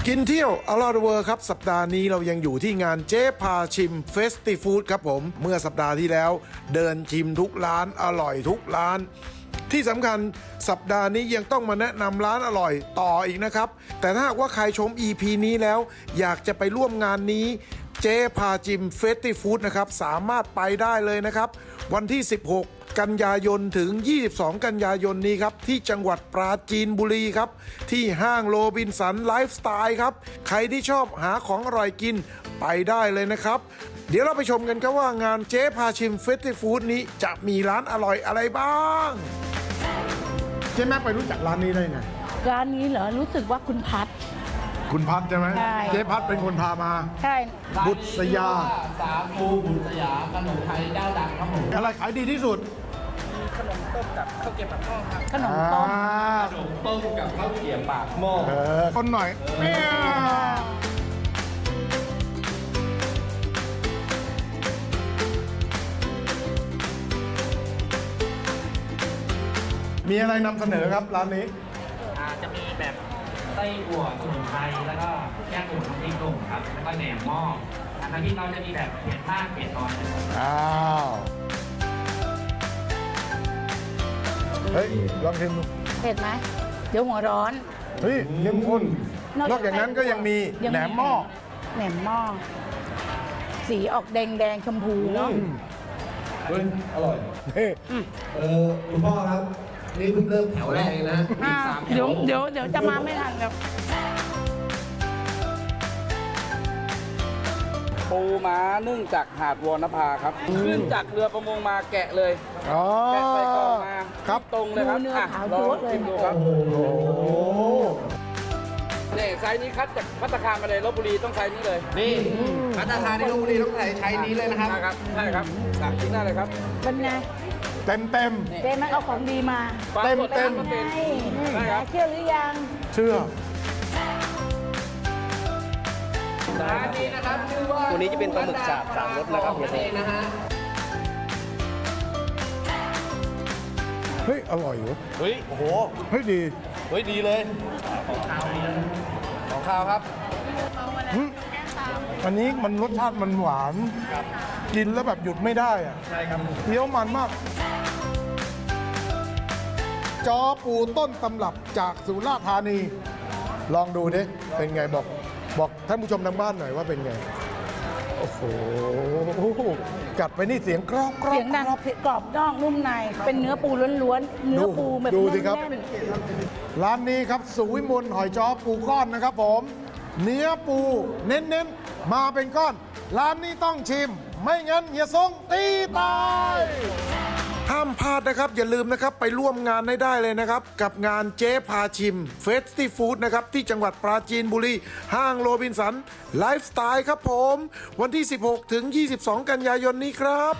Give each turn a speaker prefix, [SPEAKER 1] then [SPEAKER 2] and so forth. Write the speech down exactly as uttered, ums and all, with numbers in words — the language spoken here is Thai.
[SPEAKER 1] กินเที่ยวอร่อยเวอร์ครับสัปดาห์นี้เรายังอยู่ที่งานเจ๊พาชิมเฟสติฟู้ดครับผมเมื่อสัปดาห์ที่แล้วเดินชิมทุกร้านอร่อยทุกร้านที่สำคัญสัปดาห์นี้ยังต้องมาแนะนำร้านอร่อยต่ออีกนะครับแต่ถ้าหากว่าใครชม อี พี นี้แล้วอยากจะไปร่วมงานนี้เจ๊พาชิมเฟสติฟู้ดนะครับสามารถไปได้เลยนะครับวันที่สิบหกกันยายนถึงยี่สิบสองกันยายนนี้ครับที่จังหวัดปราจีนบุรีครับที่ห้างโรบินสันไลฟ์สไตล์ครับใครที่ชอบหาของอร่อยกินไปได้เลยนะครับเดี๋ยวเราไปชมกันครับว่างานเจ๊พาชิมเฟสติฟู้ดนี้จะมีร้านอร่อยอะไรบ้างเจ๊แม่ไปรู้จักร้านนี้ได้ไง
[SPEAKER 2] ร้านนี้เหรอรู้สึกว่าคุณพัด
[SPEAKER 1] คุณพัดใช่ไหม
[SPEAKER 2] ใช่
[SPEAKER 1] เจ๊พัดเป็นคนพามา
[SPEAKER 2] ใช่
[SPEAKER 1] บุตรสยา
[SPEAKER 3] สาคูบุตรสยาขนมไทยเจ้าดังครับผม
[SPEAKER 1] อะไรขายดีที่สุด
[SPEAKER 3] ขนมต้มกับข้าวเกรี๊ยวปากหม้อครับ
[SPEAKER 2] ขนมต้ม
[SPEAKER 1] อ่า
[SPEAKER 3] ขนมต้มกับข้าวเกรี๊ยวปากหม้อ
[SPEAKER 1] เออคนหน่อยเมียมีอะไรนำเสนอครับร้านนี้
[SPEAKER 4] อ่าจะมีแบบไส้อั่วสมุนไพรแล้วก็แกงอุ่นน้ำพริกหนุ่มครับแล้วก็แหนมหม้ออันน้ำพริกเราจะมีแบบเผ็ดมากเผ็ดน้อยนะครับ
[SPEAKER 1] อ้าว เฮ้ย ลองชิมดู
[SPEAKER 2] เผ็ดไหมเดี๋ยวหัวร้อน
[SPEAKER 1] เฮ้ยเข้มข้น นอกจากนั้นก็ยังมี
[SPEAKER 2] ยัง
[SPEAKER 1] แหนมหม้อ
[SPEAKER 2] แหนมหม้อสีออกแดงแดงๆชมพูเนาะ
[SPEAKER 3] เฮ้ยอร่อย
[SPEAKER 1] เฮ้ย
[SPEAKER 3] เออคุณพ่อครับ นี่เพิ่งเริ่มแถวแรกเองนะอี
[SPEAKER 2] อ่าก
[SPEAKER 3] สามแถ
[SPEAKER 2] เดี๋ยว
[SPEAKER 3] ว
[SPEAKER 2] เดี๋ยวเดี๋ยวจะมาไม่ทันครับ
[SPEAKER 5] ปูม้านึ่งจากหาดวรณภาครับ ขึ้นจากเรือประมงมาแกะเลย
[SPEAKER 1] อ๋อ
[SPEAKER 5] แกะใส่กล่องมา
[SPEAKER 1] ครับ
[SPEAKER 5] ตรงเลยครับ
[SPEAKER 2] เนื้อ
[SPEAKER 5] อ่ะ
[SPEAKER 2] ขาว
[SPEAKER 5] ลอง
[SPEAKER 2] โจ๊ะเลย
[SPEAKER 5] ชิมดูครับ
[SPEAKER 1] โอ้โห
[SPEAKER 5] นี่ไซส์นี้คัดจากพัตตาคารมาเลยลบบุรีต้องไซส์นี้เลย
[SPEAKER 3] นี่พัฒนาคารในลพบุรีต้องใส่ใช้นี้เลยนะครับ
[SPEAKER 5] ใช่ครับใช่ครับสั่งกินได้เลยครับ
[SPEAKER 2] เป็นไง
[SPEAKER 1] เต็มเต็ม
[SPEAKER 2] เจ๊มันเอาของดีมา
[SPEAKER 5] ปลาสด
[SPEAKER 1] เต็ม
[SPEAKER 5] ร้อยเปอร์เซ็นต์
[SPEAKER 2] ใช่
[SPEAKER 5] ได้ครับ
[SPEAKER 2] เชื่อหรือยัง
[SPEAKER 1] เชื่อ
[SPEAKER 3] ร้านนี้นะครับชื่อว่า
[SPEAKER 5] ตัวนี้จะเป็นปลาหมึกฉาบสามรสนะครับ
[SPEAKER 3] นั่นเองนะฮะ
[SPEAKER 1] เฮ้ย อร่อยเหรอ
[SPEAKER 5] เฮ้ย โอ้โห
[SPEAKER 1] เฮ้ย ดี
[SPEAKER 5] เฮ้ย ดีเลย ของข้าวของข้าวครับ
[SPEAKER 1] หึอันนี้มันรสชาติมันหวาน กินแล้วแบบหยุดไม่ได้อะ
[SPEAKER 5] ใช่ครับ
[SPEAKER 1] เคี้ยวมันมาก จอปูต้นตำรับจากสุราษฎร์ธานี ลองดูดิเป็นไงบอก บอกท่านผู้ชมทางบ้านหน่อยว่าเป็นไง โอ้โห กัดไปนี่เสียงกรอบกรอบ
[SPEAKER 2] เสียงดัง
[SPEAKER 1] กรอบ
[SPEAKER 2] กรอบนอกนุ่มใน เป็นเนื้อปูล้วนๆ เนื้อปูแบบ
[SPEAKER 1] ดูสิครับ
[SPEAKER 2] แน่น
[SPEAKER 1] ร้านนี้ครับสุวิมลหอยจ้อปูก้อนนะครับผม เนื้อปูเน้นๆ มาเป็นก้อน ร้านนี้ต้องชิม ไม่งั้นอย่าทรงตีตาย ห้ามพลาดนะครับ อย่าลืมนะครับ ไปร่วมงานให้ได้เลยนะครับ กับงานเจ๊พาชิมเฟสติฟู้ดนะครับ ที่จังหวัดปราจีนบุรี ห้างโรบินสันไลฟ์สไตล์ครับผม วันที่ สิบหกถึงยี่สิบสองกันยายนนี้ครับ